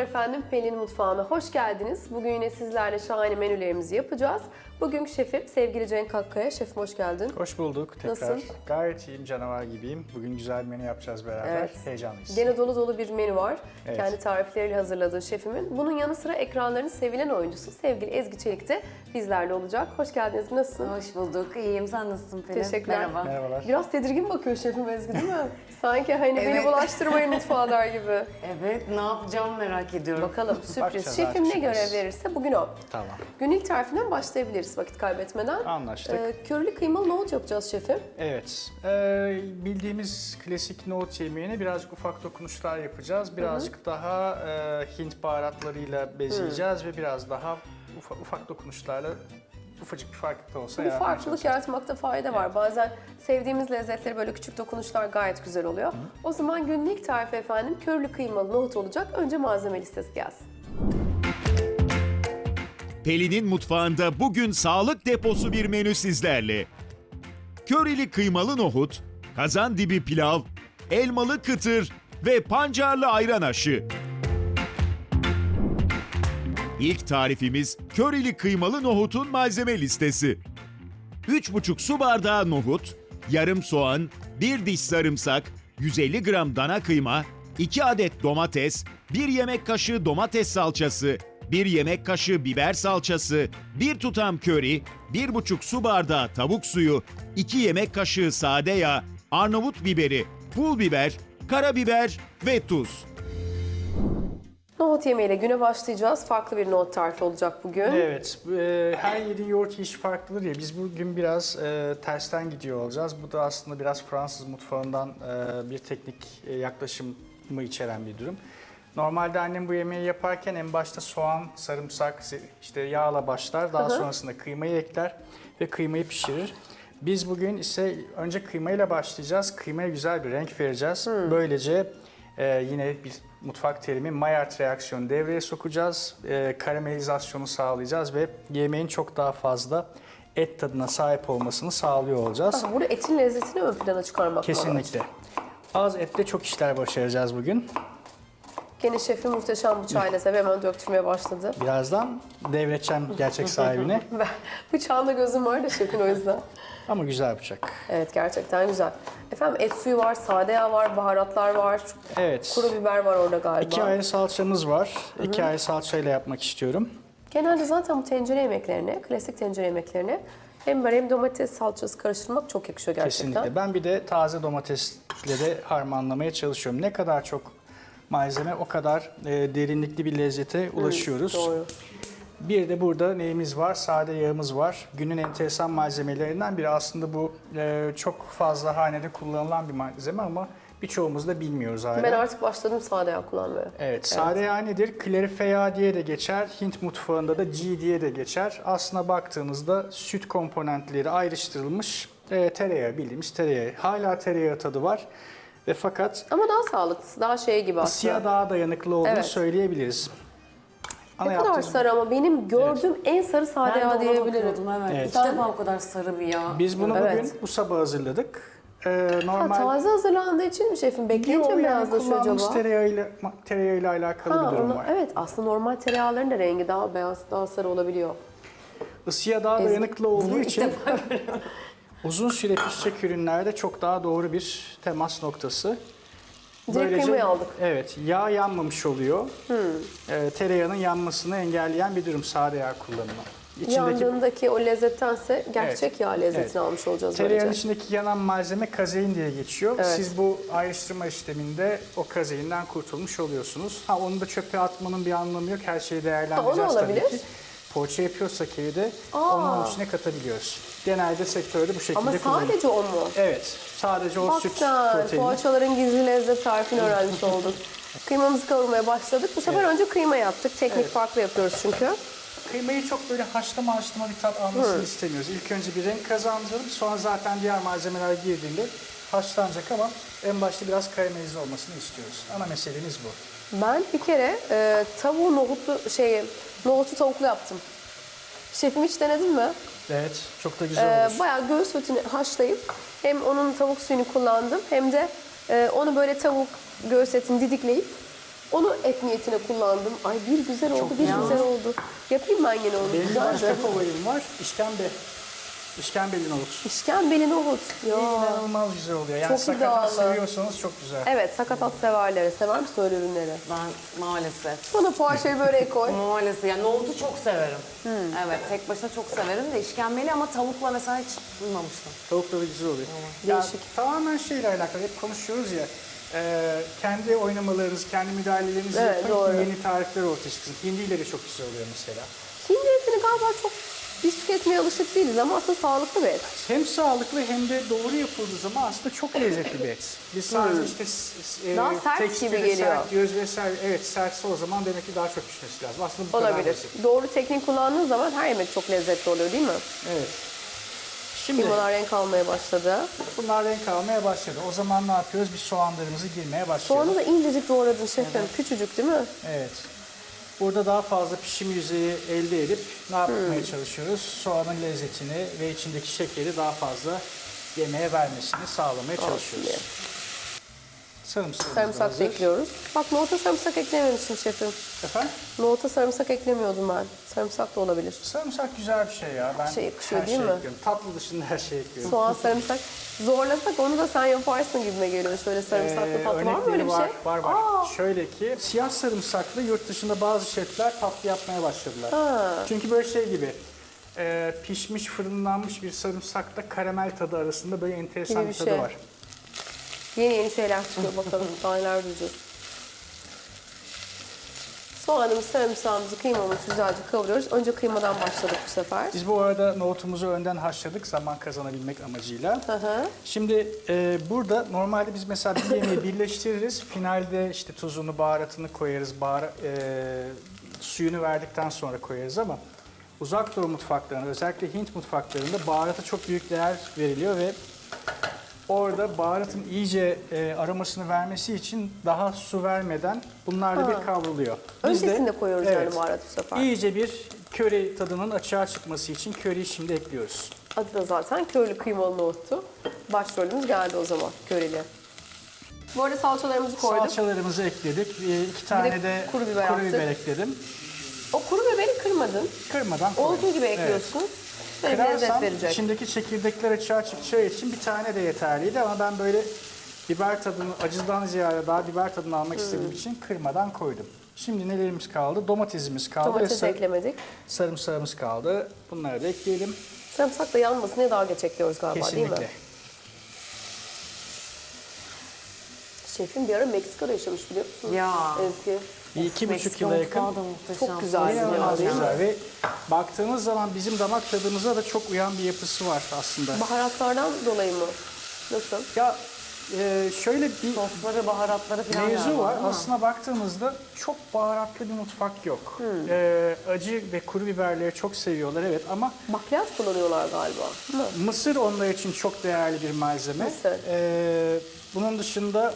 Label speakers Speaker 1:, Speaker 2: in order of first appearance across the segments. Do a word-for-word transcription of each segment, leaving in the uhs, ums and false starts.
Speaker 1: efendim, Pelin Mutfağı'na hoş geldiniz. Bugün yine sizlerle şahane menülerimizi yapacağız. Bugünkü şefim sevgili Cenk Akkaya. Şefim hoş geldin.
Speaker 2: Hoş bulduk tekrar.
Speaker 1: Nasılsın?
Speaker 2: Gayet iyiyim, canavar gibiyim. Bugün güzel bir menü yapacağız beraber.
Speaker 1: Evet.
Speaker 2: Heyecanlıyız.
Speaker 1: Gene dolu dolu bir menü var.
Speaker 2: Evet.
Speaker 1: Kendi tarifleriyle hazırladığı şefimin. Bunun yanı sıra ekranların sevilen oyuncusu sevgili Ezgi Çelik de bizlerle olacak. Hoş geldiniz. Nasılsın?
Speaker 3: Hoş bulduk. İyiyim. Sen nasılsın Pelin?
Speaker 1: Teşekkürler.
Speaker 3: Merhaba.
Speaker 2: Merhabalar.
Speaker 1: Biraz tedirgin bakıyor şefim Ezgi, değil mi? Sanki hani beni
Speaker 3: Evet.
Speaker 1: bulaştırmayın mutfağa der gibi.
Speaker 3: Evet, ne yapacağımı merak ediyorum.
Speaker 1: Bakalım sürpriz.
Speaker 2: Bakacağız,
Speaker 1: Şefim ne
Speaker 2: artık
Speaker 1: görev
Speaker 2: sürpriz.
Speaker 1: verirse bugün o.
Speaker 2: Tamam.
Speaker 1: Gün ilk tarifinden başlayabiliriz vakit kaybetmeden.
Speaker 2: Anlaştık.
Speaker 1: Ee, körlü kıymalı nohut yapacağız şefim.
Speaker 2: Evet. Ee, bildiğimiz klasik nohut yemeğine birazcık ufak dokunuşlar yapacağız. Birazcık daha e, Hint baharatlarıyla bezeyeceğiz ve biraz daha ufa, ufak dokunuşlarla ufacık bir fark da olsa
Speaker 1: Bir
Speaker 2: yaratmaya
Speaker 1: farklılık
Speaker 2: çalışacağız.
Speaker 1: yaratmakta fayda var. Bazen sevdiğimiz lezzetleri böyle küçük dokunuşlar gayet güzel oluyor. O zaman günün ilk tarifi efendim körlü kıymalı nohut olacak. Önce malzeme listesi gelsin.
Speaker 4: Pelin'in mutfağında bugün sağlık deposu bir menü sizlerle. Körili kıymalı nohut, kazan dibi pilav, elmalı kıtır ve pancarlı ayran aşı. İlk tarifimiz körili kıymalı nohutun malzeme listesi. üç buçuk su bardağı nohut, yarım soğan, bir diş sarımsak, yüz elli gram dana kıyma, iki adet domates, bir yemek kaşığı domates salçası, bir yemek kaşığı biber salçası, bir tutam köri, bir buçuk su bardağı tavuk suyu, iki yemek kaşığı sade yağ, Arnavut biberi, pul biber, karabiber ve tuz.
Speaker 1: Nohut yemeğiyle güne başlayacağız. Farklı bir nohut tarifi olacak bugün.
Speaker 2: Evet, e, her yediğin yoğurt yiyişi farklıdır ya. Biz bugün biraz e, tersten gidiyor olacağız. Bu da aslında biraz Fransız mutfağından e, bir teknik e, yaklaşımı içeren bir durum. Normalde annem bu yemeği yaparken en başta soğan, sarımsak, işte yağla başlar. Daha
Speaker 1: Hı hı.
Speaker 2: sonrasında kıymayı ekler ve kıymayı pişirir. Biz bugün ise önce kıymayla başlayacağız. Kıymaya güzel bir renk vereceğiz. Böylece e, yine bir mutfak terimi Maillard reaksiyonu devreye sokacağız. E, karamelizasyonu sağlayacağız ve yemeğin çok daha fazla et tadına sahip olmasını sağlıyor olacağız.
Speaker 1: Ah, burada etin lezzetini ön plana çıkarmak
Speaker 2: Kesinlikle. Az etle çok işler başaracağız bugün.
Speaker 1: Gene şefim muhteşem bıçağıyla tabii hemen döktürmeye başladı.
Speaker 2: Birazdan devredeceğim gerçek sahibine.
Speaker 1: Ben bıçağında gözüm var da şefin o yüzden.
Speaker 2: Ama güzel bıçak.
Speaker 1: Evet, gerçekten güzel. Efendim et suyu var, sade yağ var, baharatlar var,
Speaker 2: Evet.
Speaker 1: kuru biber var orada galiba.
Speaker 2: İki ayrı salçamız var. İki ayrı salçayla yapmak istiyorum.
Speaker 1: Genelde zaten bu tencere yemeklerine, klasik tencere yemeklerine hem biber hem domates salçası karıştırmak çok yakışıyor gerçekten.
Speaker 2: Kesinlikle. Ben bir de taze domatesle de harmanlamaya çalışıyorum. Ne kadar çok malzeme o kadar e, derinlikli bir lezzete ulaşıyoruz.
Speaker 1: Doğru.
Speaker 2: Bir de burada neyimiz var? Sade yağımız var. Günün enteresan malzemelerinden biri. Aslında bu e, çok fazla hanede kullanılan bir malzeme ama birçoğumuz da bilmiyoruz hala.
Speaker 1: Ben artık başladım sade yağ kullanmaya.
Speaker 2: Evet, sade yağ nedir? Klarife yağ diye de geçer. Hint mutfağında da ghee diye de geçer. Aslına baktığınızda süt komponentleri ayrıştırılmış e, tereyağı, bildiğimiz tereyağı. Hala tereyağı tadı var. Ve fakat
Speaker 1: Ama daha sağlıklısı, daha şey gibi aslında.
Speaker 2: ısıya daha dayanıklı olduğunu
Speaker 1: Evet.
Speaker 2: söyleyebiliriz. Ana
Speaker 1: Ne kadar
Speaker 2: yaptığımız-
Speaker 1: sarı ama benim gördüğüm en sarı sade
Speaker 3: Ben de
Speaker 1: yağ
Speaker 3: ona
Speaker 1: diyebilirim.
Speaker 3: bakıyordum, evet.
Speaker 2: Evet.
Speaker 3: İlk defa o kadar sarı bir yağ.
Speaker 2: Biz bunu
Speaker 1: Evet.
Speaker 2: bugün bu sabah hazırladık. Ee,
Speaker 1: Ha,
Speaker 2: normal
Speaker 1: taze hazırlandığı için mi şefim? Bekleyince
Speaker 2: Yok,
Speaker 1: mi
Speaker 2: yani
Speaker 1: beyazlaşıyor
Speaker 2: kullandığımız
Speaker 1: acaba?
Speaker 2: tereyağıyla, tereyağıyla alakalı
Speaker 1: Ha,
Speaker 2: bir durum
Speaker 1: onu-
Speaker 2: var.
Speaker 1: evet, aslında normal tereyağların da rengi daha beyaz, daha sarı olabiliyor.
Speaker 2: Isıya daha
Speaker 1: Ezgi,
Speaker 2: dayanıklı olduğu
Speaker 3: Bunu ilk
Speaker 2: için
Speaker 3: defa görüyorum.
Speaker 2: uzun süre pişecek ürünlerde çok daha doğru bir temas noktası.
Speaker 1: Direkt kıymayı aldık.
Speaker 2: Evet, yağ yanmamış oluyor.
Speaker 1: Hmm.
Speaker 2: Ee, tereyağının yanmasını engelleyen bir durum sade yağ kullanımı. İçindeki
Speaker 1: Yandığındaki o lezzettense gerçek
Speaker 2: Evet.
Speaker 1: yağ lezzetini
Speaker 2: Evet.
Speaker 1: almış olacağız
Speaker 2: tereyağın
Speaker 1: böylece.
Speaker 2: içindeki yanan malzeme kazein diye geçiyor.
Speaker 1: Evet.
Speaker 2: Siz bu ayrıştırma işleminde o kazeinden kurtulmuş oluyorsunuz. Ha onu da çöpe atmanın bir anlamı yok. Her şeyi değerlendireceğiz
Speaker 1: Ha, o da
Speaker 2: tabii
Speaker 1: olabilir.
Speaker 2: ki. Poğaça yapıyorsak evde
Speaker 1: Aa.
Speaker 2: onun içine katabiliyoruz. Genelde sektörde bu şekilde
Speaker 1: Ama
Speaker 2: kullanılıyor.
Speaker 1: sadece o mu?
Speaker 2: Evet, sadece o
Speaker 1: Bak
Speaker 2: süt
Speaker 1: sen,
Speaker 2: proteini.
Speaker 1: poğaçaların gizli lezzet tarifini öğrenmiş olduk. Kıymamızı kavurmaya başladık. Bu sefer önce kıyma yaptık. Teknik
Speaker 2: Evet.
Speaker 1: farklı yapıyoruz çünkü.
Speaker 2: Kıymayı çok böyle haşlama haşlama bir tat almasını istemiyoruz. İlk önce bir renk kazandıralım, sonra zaten diğer malzemeler girdiğinde haşlanacak ama en başta biraz karamelize olmasını istiyoruz. Ana meselemiz bu.
Speaker 1: Ben bir kere e, tavuğu nohutlu şeyi, nohutu tavuklu yaptım. Şefim hiç denedin mi?
Speaker 2: Evet, çok da güzel
Speaker 1: E,
Speaker 2: olur.
Speaker 1: bayağı göğüs etini haşlayıp hem onun tavuk suyunu kullandım hem de e, onu böyle tavuk göğüs etini didikleyip Onu et niyetine kullandım. Ay bir güzel oldu, bir
Speaker 3: güzel.
Speaker 1: güzel oldu. Yapayım ben yine onu.
Speaker 2: Benim
Speaker 1: Güzelce.
Speaker 2: başka favorim var. İşkembe. İşkembeli nohut.
Speaker 1: İşkembeli nohut. Ya.
Speaker 2: İnanılmaz güzel oluyor. Yani
Speaker 1: Çok
Speaker 2: sakatat
Speaker 1: iddialı.
Speaker 2: seviyorsanız çok güzel.
Speaker 1: Evet, sakatat severlere. Sever misin öyle ürünleri?
Speaker 3: Ben maalesef.
Speaker 1: Bana poğaçayı böreğe koy.
Speaker 3: Maalesef. Yani nohutu çok severim. Evet, tek başına çok severim de işkembeli ama tavukla mesela hiç duymamıştım.
Speaker 2: Tavukla da güzel oluyor. Ya,
Speaker 1: Değişik.
Speaker 2: tamamen şeyle alakalı. Hep konuşuyoruz ya. e, kendi oynamalarınızı, kendi müdahalelerinizi
Speaker 1: Evet,
Speaker 2: yapın
Speaker 1: doğru.
Speaker 2: ki yeni tarifler ortaya çıksın. Hindileri çok güzel oluyor mesela.
Speaker 1: Hindi etini galiba çok biz tüketmeye alışık değiliz ama aslında sağlıklı bir et.
Speaker 2: Hem sağlıklı hem de doğru yapıldığı zaman aslında çok lezzetli bir et. Biz sadece işte s- e,
Speaker 1: Daha sert
Speaker 2: tekstili
Speaker 1: gibi geliyor.
Speaker 2: sert diyoruz vesaire. Evet sertse o zaman demek ki daha çok pişmesi lazım. Aslında bu kadar
Speaker 1: Olabilir.
Speaker 2: basit.
Speaker 1: Doğru teknik kullandığın zaman her yemek çok lezzetli oluyor değil mi?
Speaker 2: Evet. Şimdi
Speaker 1: Kıymalar renk almaya başladı.
Speaker 2: bunlar renk almaya başladı. O zaman ne yapıyoruz? Biz soğanlarımızı girmeye başlıyoruz.
Speaker 1: Soğanı da incecik doğradın şefim. Küçücük değil mi?
Speaker 2: Evet. Burada daha fazla pişim yüzeyi elde edip ne yapmaya
Speaker 1: Hmm.
Speaker 2: çalışıyoruz? Soğanın lezzetini ve içindeki şekeri daha fazla yemeğe vermesini sağlamaya çalışıyoruz.
Speaker 1: diye.
Speaker 2: Sarımsak.
Speaker 1: Sarımsak da ekliyoruz. Bak nohuta sarımsak eklememişim şefim.
Speaker 2: Efendim?
Speaker 1: Nohuta sarımsak eklemiyordum ben. Sarımsak da olabilir.
Speaker 2: Sarımsak güzel bir şey ya. Ben
Speaker 1: Şey yakışıyor
Speaker 2: her
Speaker 1: değil
Speaker 2: şey
Speaker 1: mi?
Speaker 2: ekliyorum. Tatlı dışında her şey ekliyorum.
Speaker 1: Soğan, sarımsak. Zorlasak onu da sen yaparsın gibime geliyor. Şöyle sarımsaklı
Speaker 2: Ee,
Speaker 1: tatlı var mı
Speaker 2: örnekleri
Speaker 1: öyle bir
Speaker 2: var,
Speaker 1: şey?
Speaker 2: Var var.
Speaker 1: Aa,
Speaker 2: Şöyle ki siyah sarımsaklı yurt dışında bazı şefler tatlı yapmaya başladılar.
Speaker 1: Ha.
Speaker 2: Çünkü böyle şey gibi e, pişmiş fırınlanmış bir sarımsakla karamel tadı arasında böyle enteresan
Speaker 1: Gibi
Speaker 2: bir
Speaker 1: bir
Speaker 2: tadı
Speaker 1: şey.
Speaker 2: var.
Speaker 1: Yeni yeni şeyler çıkıyor bakalım. Daha neler duyacağız. Soğanımızı, sarımsağımızı, kıymamızı güzelce kavuruyoruz. Önce kıymadan başladık bu sefer.
Speaker 2: Biz bu arada nohutumuzu önden haşladık zaman kazanabilmek amacıyla.
Speaker 1: Hı hı.
Speaker 2: Şimdi e, burada normalde biz mesela bir yemeği birleştiririz. Finalde işte tuzunu, baharatını koyarız. Bahara, e, suyunu verdikten sonra koyarız ama uzak doğu mutfaklarında özellikle Hint mutfaklarında baharata çok büyük değer veriliyor ve orada baharatın iyice e, aromasını vermesi için daha su vermeden bunlarla bir kavruluyor. Biz de-
Speaker 1: Öncesinde koyuyoruz
Speaker 2: evet,
Speaker 1: yani baharatı bu sefer.
Speaker 2: İyice bir köri tadının açığa çıkması için köriyi şimdi ekliyoruz.
Speaker 1: Adı da zaten körlü kıymalı nohuttu. Başrolümüz geldi o zaman köreli. Bu arada salçalarımızı koyduk.
Speaker 2: Salçalarımızı ekledik. E, iki tane de,
Speaker 1: kuru biber attık.
Speaker 2: ekledim.
Speaker 1: O kuru biberi kırmadın.
Speaker 2: Kırmadan koydum.
Speaker 1: Olduğu gibi ekliyorsun. Böyle bir lezzet
Speaker 2: Kırarsam
Speaker 1: verecek.
Speaker 2: içindeki çekirdekler açığa çıkacağı için bir tane de yeterliydi ama ben böyle biber tadını, acıdan ziyade daha biber tadını almak istediğim
Speaker 1: Hmm.
Speaker 2: için kırmadan koydum. Şimdi nelerimiz kaldı? Domatesimiz kaldı ve
Speaker 1: Domates
Speaker 2: sar-
Speaker 1: eklemedik.
Speaker 2: sarımsağımız kaldı. Bunları da ekleyelim.
Speaker 1: Sarımsak da yanmasın diye daha geç ekliyoruz galiba değil
Speaker 2: Kesinlikle.
Speaker 1: mi? Şefim bir ara Meksika'da yaşamış biliyor musun?
Speaker 3: Ya.
Speaker 1: Ezgi.
Speaker 2: Bir iki buçuk
Speaker 3: Meksika
Speaker 2: yıla yakın.
Speaker 3: mutfağı da muhteşem.
Speaker 1: Çok güzel.
Speaker 2: İnanılmaz
Speaker 1: değil mi?
Speaker 2: güzel ve baktığınız zaman bizim damak tadımıza da çok uyan bir yapısı var aslında.
Speaker 1: Baharatlardan dolayı mı? Nasıl?
Speaker 2: Ya e, şöyle bir
Speaker 3: Sosları, baharatları falan
Speaker 2: mevzu
Speaker 3: galiba,
Speaker 2: var.
Speaker 3: değil mi?
Speaker 2: Aslında baktığımızda çok baharatlı bir mutfak yok.
Speaker 1: Hmm.
Speaker 2: E, acı ve kuru biberleri çok seviyorlar evet ama
Speaker 1: Bakliyat kullanıyorlar galiba. Değil mi?
Speaker 2: mısır onlar için çok değerli bir malzeme.
Speaker 1: Mısır.
Speaker 2: E, bunun dışında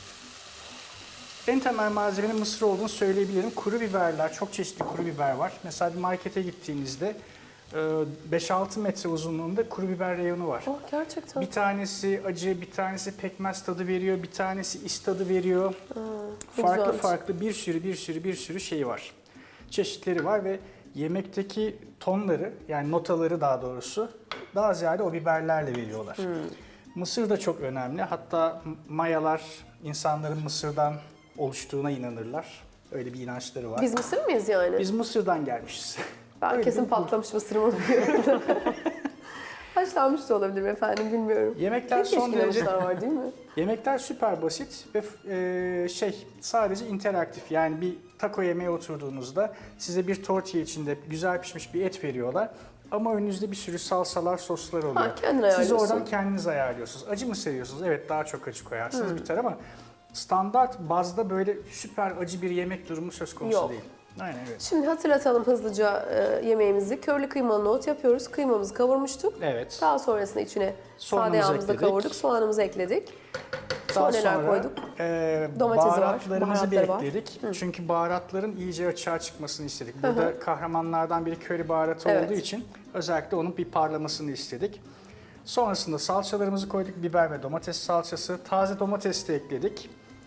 Speaker 2: en temel malzemenin mısır olduğunu söyleyebilirim. Kuru biberler, çok çeşitli kuru biber var. Mesela bir markete gittiğinizde e, beş altı metre uzunluğunda kuru biber reyonu var.
Speaker 1: Oh gerçekten.
Speaker 2: Bir tanesi acı, bir tanesi pekmez tadı veriyor, bir tanesi is tadı veriyor.
Speaker 1: ne
Speaker 2: farklı
Speaker 1: güzelmiş.
Speaker 2: farklı bir sürü bir sürü bir sürü şeyi var. Çeşitleri var ve yemekteki tonları yani notaları daha doğrusu daha ziyade o biberlerle veriyorlar.
Speaker 1: Hmm.
Speaker 2: Mısır da çok önemli. Hatta Mayalar insanların Mısır'dan oluştuğuna inanırlar. Öyle bir inançları var.
Speaker 1: Biz Mısır mıyız yani?
Speaker 2: Biz Mısır'dan gelmişiz.
Speaker 1: ben
Speaker 2: öyle
Speaker 1: kesin
Speaker 2: bir-
Speaker 1: patlamış mısırım onu biliyorum da. Haşlanmış da olabilir efendim bilmiyorum.
Speaker 2: Yemekler
Speaker 1: Ne
Speaker 2: son
Speaker 1: çeşitli
Speaker 2: derece
Speaker 1: mısırlar var değil mi?
Speaker 2: Yemekler süper basit ve e, şey sadece interaktif yani bir taco yemeğe oturduğunuzda size bir tortilla içinde güzel pişmiş bir et veriyorlar. Ama önünüzde bir sürü salsalar, soslar oluyor.
Speaker 1: Ha, kendin
Speaker 2: Siz
Speaker 1: ayarlıyorsun.
Speaker 2: oradan kendiniz ayarlıyorsunuz. Acı mı seviyorsunuz? Evet daha çok acı koyarsınız biter ama standart bazda böyle süper acı bir yemek durumu söz konusu
Speaker 1: Yok.
Speaker 2: değil. Aynen evet.
Speaker 1: Şimdi hatırlatalım hızlıca e, yemeğimizi. Körlü kıymalı nohut yapıyoruz. Kıymamızı kavurmuştuk.
Speaker 2: Evet.
Speaker 1: Daha sonrasında içine sade
Speaker 2: Soğanımızı
Speaker 1: yağımızı da
Speaker 2: ekledik.
Speaker 1: kavurduk. Soğanımızı ekledik.
Speaker 2: Daha
Speaker 1: Sonra neler
Speaker 2: sonra
Speaker 1: koyduk?
Speaker 2: e,
Speaker 1: Domatesi var,
Speaker 2: baharatlarımızı bir
Speaker 1: baharatları var.
Speaker 2: ekledik. Çünkü baharatların iyice açığa çıkmasını istedik. Burada kahramanlardan biri köri baharatı
Speaker 1: Evet.
Speaker 2: olduğu için özellikle onun bir parlamasını istedik. Sonrasında salçalarımızı koyduk. Biber ve domates salçası. Taze domates de ekledik.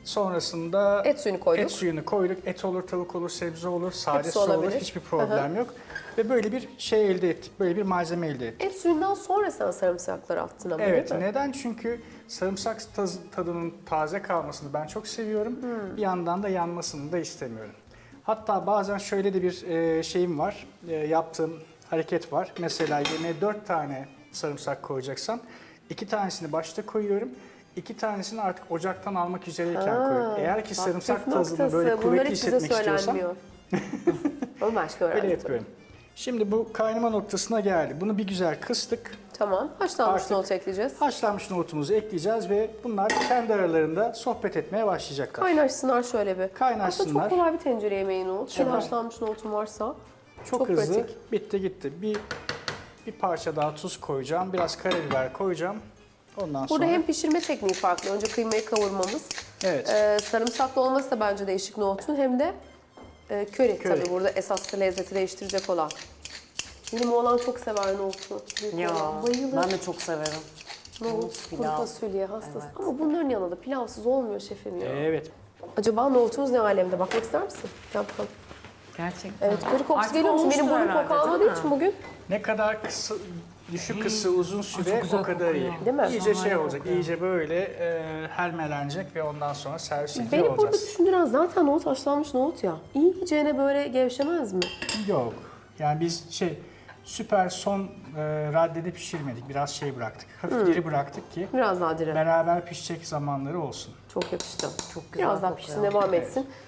Speaker 2: Sonrasında
Speaker 1: Et suyunu koyduk.
Speaker 2: Et suyunu koyduk. Et olur, tavuk olur, sebze olur, sade
Speaker 1: Hepsi
Speaker 2: su olur.
Speaker 1: olabilir.
Speaker 2: Hiçbir problem yok. Ve böyle bir şey elde ettik. Böyle bir malzeme elde ettik.
Speaker 1: Et suyundan sonra sen sarımsakları attın ama
Speaker 2: Evet,
Speaker 1: değil mi?
Speaker 2: neden? Çünkü sarımsak taz- tadının taze kalmasını ben çok seviyorum.
Speaker 1: Hmm.
Speaker 2: Bir yandan da yanmasını da istemiyorum. Hatta bazen şöyle de bir e, şeyim var, e, yaptığım hareket var. Mesela yemeğe dört tane sarımsak koyacaksam, iki tanesini başta koyuyorum, iki tanesini artık ocaktan almak üzereyken
Speaker 1: Ha,
Speaker 2: koyuyorum. Eğer ki
Speaker 1: bak,
Speaker 2: sarımsak
Speaker 1: püf
Speaker 2: tadını
Speaker 1: noktası.
Speaker 2: böyle
Speaker 1: Bunlar
Speaker 2: kuvvetli
Speaker 1: hiç bize
Speaker 2: hissetmek istiyorsam,
Speaker 1: söylenmiyor. Onu ben şimdi öğrendim.
Speaker 2: öyle yapıyorum. Şimdi bu kaynama noktasına geldi. Bunu bir güzel kıstık.
Speaker 1: Tamam. Haşlanmış
Speaker 2: Artık-
Speaker 1: nohut ekleyeceğiz.
Speaker 2: Haşlanmış nohutumuzu ekleyeceğiz ve bunlar kendi aralarında sohbet etmeye başlayacaklar.
Speaker 1: Kaynaşsınlar şöyle bir.
Speaker 2: Kaynaşsınlar.
Speaker 1: Aslında çok kolay bir tencere yemeği nohut. Şimdi
Speaker 2: Evet.
Speaker 1: haşlanmış nohutun varsa
Speaker 2: Çok,
Speaker 1: çok
Speaker 2: hızlı.
Speaker 1: pratik.
Speaker 2: Bitti gitti. Bir bir parça daha tuz koyacağım. Biraz karabiber koyacağım. Ondan
Speaker 1: Burada
Speaker 2: sonra
Speaker 1: hem pişirme tekniği farklı. Önce kıymayı kavurmamız.
Speaker 2: evet.
Speaker 1: Ee, sarımsaklı olması da bence değişik nohutun. Hem de e, köri,
Speaker 2: Köri.
Speaker 1: tabii burada esas lezzeti değiştirecek olan. Benim oğlan çok sever nohutu. Büyük
Speaker 3: Ya
Speaker 1: oğlan bayılır.
Speaker 3: ben de çok severim.
Speaker 1: Nohut, kuru
Speaker 3: pilav.
Speaker 1: fasulye hastası.
Speaker 3: Evet.
Speaker 1: Ama bunların yanında pilavsız olmuyor şefim ya.
Speaker 2: Evet.
Speaker 1: Acaba nohutumuz ne alemde? Bakmak ister misin? Gel bakalım.
Speaker 3: Gerçekten.
Speaker 1: Evet, köri kokusu
Speaker 3: Artık
Speaker 1: geliyor musun? Benim
Speaker 3: olmuştur
Speaker 1: burnum koku
Speaker 3: herhalde,
Speaker 1: almadığı
Speaker 3: değil mi?
Speaker 1: için bugün.
Speaker 2: Ne kadar kısa, düşük ısı, uzun süre
Speaker 3: çok güzel
Speaker 2: o kadar iyi.
Speaker 3: kokuyor.
Speaker 1: Değil mi?
Speaker 2: İyice şey
Speaker 3: Şahane
Speaker 2: olacak,
Speaker 3: kokuyor.
Speaker 2: iyice böyle e, helmelenecek ve ondan sonra servis ediyor
Speaker 1: Beni burada
Speaker 2: olacağız.
Speaker 1: düşündüren zaten nohut haşlanmış nohut ya. İyicene böyle gevşemez mi?
Speaker 2: Yok. Yani biz şey süper son e, raddede pişirmedik. Biraz şey bıraktık. Hafif diri bıraktık ki
Speaker 1: Biraz daha dire.
Speaker 2: beraber pişecek zamanları olsun.
Speaker 1: Çok yakıştı.
Speaker 3: Çok güzel
Speaker 1: Biraz daha
Speaker 3: kokuyor.
Speaker 1: pişsin, devam etsin.